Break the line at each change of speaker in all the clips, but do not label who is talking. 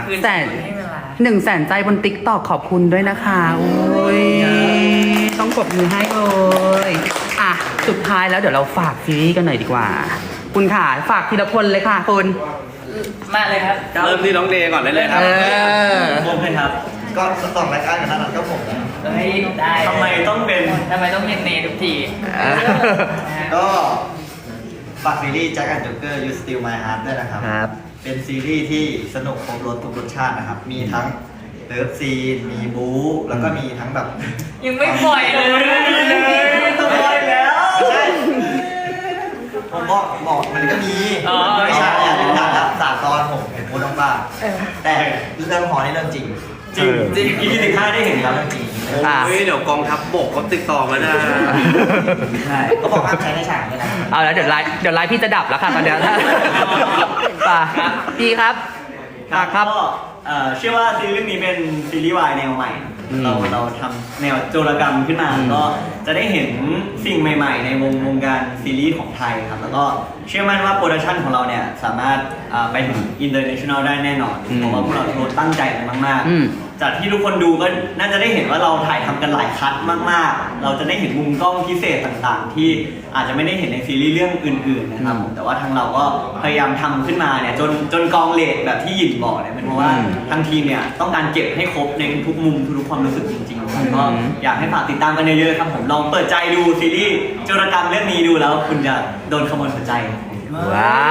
100,000 ใจบนติ๊กต็อกขอบคุณด้วยนะคะโอ้ยต้องกดมือให้เลยอ่ะสุดท้ายแล้วเดี๋ยวเราฝากซีรีส์กันหน่อยดีกว่า คุณค่ะฝากทีละคนเลยค่ะคุณ
มาเลยครับ
เริ่มที่น้องเดย์ก่อนได้เลยครับ
ผมเลยครับ
ก็สองรายการกับนั้นก็ผมนะ
เฮ้ยได้ทำไมต้องเป็นเนทุกที
ก็ฝากซีรีส์ Jack and Joker You Steal My Heart ด้วยนะครับ
ครับ
เป็นซีรีส์ที่สนุกครบรสทุกรสชาตินะครับ มีทั้งเลิฟซีน มีบู๊ แล้วก็มีทั้งแบบ
ยังไม่ปล่อยเลยต้องปล่อยแล้ว
ไม่ใช่ผมบอกมันก็มี
อ๋อ
ไม่ใช่อ่ะถึงหนังละ3 ตอนผมเห็นโพสต์บ้างแต่เรื่องหอนี่เรื่องจริง
จริง
EP 15ได้เห็นครับเรื่องจริง
เฮ้ยเดี๋ยวกองทัพบกเขาติดต่อมานะ
ใช่ก็บอกห้ามใช้ในฉากด้วยนะ
เอาแล้วเดี๋ยวไลฟ์พี่จะดับแล้วค่ะตอนเนี้ยป่ะพี่ครับฝากครับ
ก็เชื่อว่าซีรีส์เรื่องนี้เป็นซีรีส์วายแนวใหม่ เราทำแนวโจรกรรมขึ้นมาก็จะได้เห็นสิ่งใหม่ๆ ในวงการซีรีส์ของไทยครับแล้วก็เชื่อมั่นว่าโปรดักชันของเราเนี่ยสามารถไปถึงอินเตอร์เนชั่นแนลได้แน่นอนเพราะว่าพวกเราทุกคนตั้งใจกันมากๆจากที่ทุกคนดูก็น่าจะได้เห็นว่าเราถ่ายทำกันหลายคัทมากๆเราจะได้เห็นมุมกล้องพิเศษต่างๆ ที่อาจจะไม่ได้เห็นในซีรีส์เรื่องอื่นๆนะครับผมแต่ว่าทางเราก็พยายามทำขึ้นมาเนี่ยจนกองเลทแบบที่หยินบอกเนี่ยเป็นเพราะว่าทางทีมเนี่ยต้องการเก็บให้ครบในทุกมุมทุกความรู้สึกจริงๆครับก็อยากให้ฝากติดตามกันเยอะๆครับผมลองเปิดใจดูซีรีส์โจรกรรมเรื่องนี้ดูแล้วคุณจะโดนขโมยหัวใจครับ
ว้าว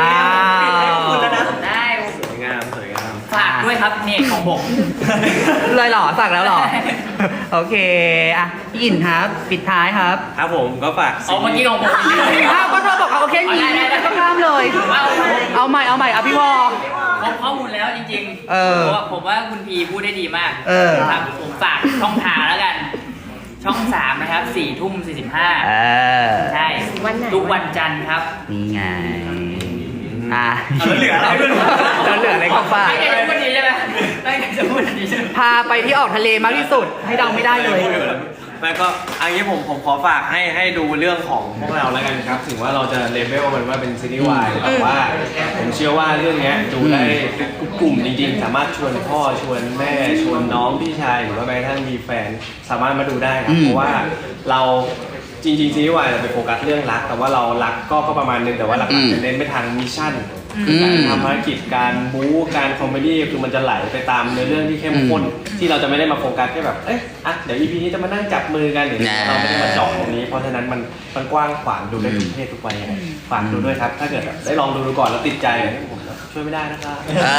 คุณแล้วนะได้
สวยงามสวยงาม
ฝากด้วยครับเนี่ยของผม
เลยเหรอสั่งแล้วเหรอ โอเคอ่ะพี่อินครับ ปิดท้ายครับ
ครับผมก็ฝาก
เอาเมื่อกี้ของผม
อ้าวก็เธอบอกเอาแค่นี้
ได้
ก็ข้ามเลย เอาใหม่อ่ะพี่วอ
ครบข้อมูลแล้วจริงๆ
เออ
ผมว่าคุณพีพูดได้ดีมาก
เออ
ครับผมฝากช่องทางแล้วกัน ช่อง 3 นะครับ 4:45 ใช่ ทุกวันจันทร์ครับ
นี่ไงอ่ะ
แล้วเหลืออะไรด้วย
แล้วเหลืออะไรก็ฝาก
ไม่ได้จะพูดดีใช่ไหมไม่ได้จะพูดดีใช่ไหม
พาไปที่ออกทะเลมากที่สุด ให้เดาไม่ได้เลย
แล้วก็อันนี้ผมขอฝากให้ดูเรื่องของพวกเราแล้วกันครับถึงว่าเราจะเลเวลมันว่าเป็นซีรีส์วายแต่ว่าผมเชื่อว่าเรื่องนี้ดูได้ทุกกลุ่มจริงๆสามารถชวนพ่อชวนแม่ชวนน้องพี่ชายหรือว่าแม้กระทั่งมีแฟนสามารถมาดูได้ครับเพราะว่าเราจริงๆซีรีส์วายเราไปโฟกัสเรื่องรักแต่ว่าเรารักก็ประมาณนึงแต่ว่าหลักๆจะเน้นไปทางมิชชั่นการทำภารกิจการบู๊การคอมเมดี้คือมันจะไหลไปตามเนื้อเรื่องที่เข้มข้นที่เราจะไม่ได้มาโฟกัสแค่แบบเดี๋ยว EP นี้จะมานั่งจับมือกันหรือเราไม่ได้มาเจาะตรงนี้เพราะฉะนั้นมันกว้างขวางดูได้ทุกเพศทุกวัยฝากดูด้วยครับถ้าเกิดได้ลองดูก่อนแล้วติดใจผมช่วยไม่ได้นะครับ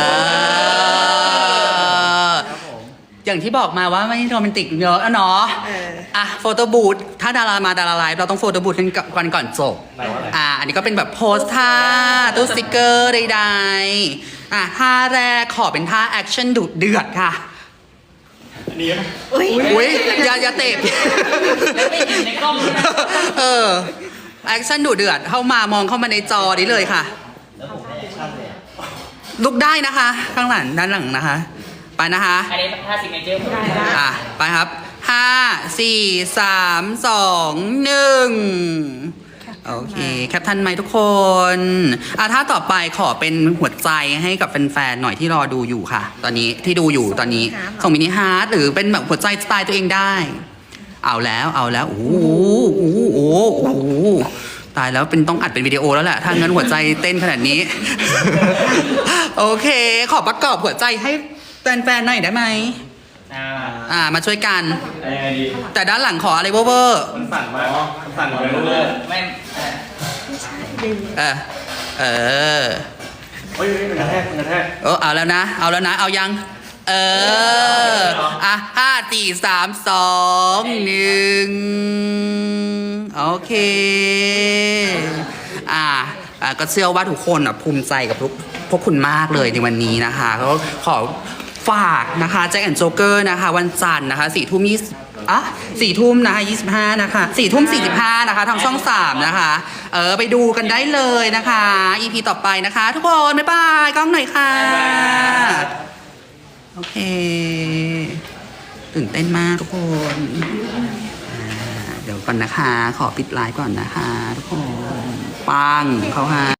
อย่างที่บอกมาว่าไม่โรแมนติกเยอะอะเนาะอ่ะโฟโต้บูธถ้าดารามาดาราไลฟ์เราต้องโฟโต้บูธกันก่อนจบอันนี้ก็เป็นแบบโพสท่าตู้สติกเกอร์ใดๆท่าแรกขอเป็นท่าแอคชั่นดุเดือดค่ะอุ้ยอย่าเตะ
ไม่เห็นในกล้องเลยนะ
แอคชั่นดุเดือดเข้ามามองเข้ามาในจอนี้เลยค่ะลุกได้นะคะ ข้างหลังด้านหลังนะคะไปนะคะ
อันนี้ท่าซิกเนเจอร์ผมได้
ไปครับ5 4 3 2 1โอเคแคปทันไหมทุกคนถ้าต่อไปขอเป็นหัวใจให้กับแฟนๆหน่อยที่รอดูอยู่ค่ะ ตอนนี้ที่ดูอยู่ตอนนี้ส่งมินิฮาร์ทหรือเป็นแบบหัวใจสไตล์ตัวเองได้เอาแล้วโอ้โหตายแล้วเป็นต้องอัดเป็นวิดีโอแล้วแหละถ้างั้นหัวใจเต้นขนาดนี้ โอเคขอประกอบหัวใจให้แฟนๆหน่อยได้ไหมมาช่วยกันแต่ด้านหลังขออะไรเวอร์
มันสั่นมากมันสั่นไปเรื่อย
ไม่
เฮ้ยมันกระแทก
เอาแล้วนะเอายัง5 4 3 2 1โอเคก็เชื่อว่าทุกคนภูมิใจกับพวกคุณมากเลยในวันนี้นะคะก็ขอฝากนะคะแจ็คแอนด์โจ๊กเกอร์นะคะวันจันทร์นะคะ4 ทุ่มนะคะ25นะคะ4 ทุ่ม 45นะคะทางช่อง 3นะคะไปดูกันได้เลยนะคะ EP ต่อไปนะคะทุกคนบ๊ายบายกล้องหน่อยค่ะโอเคตื่นเต้นมากทุกคนเดี๋ยวก่อนนะคะขอปิดไลฟ์ก่อนนะคะทุกคนปังเขาฮะ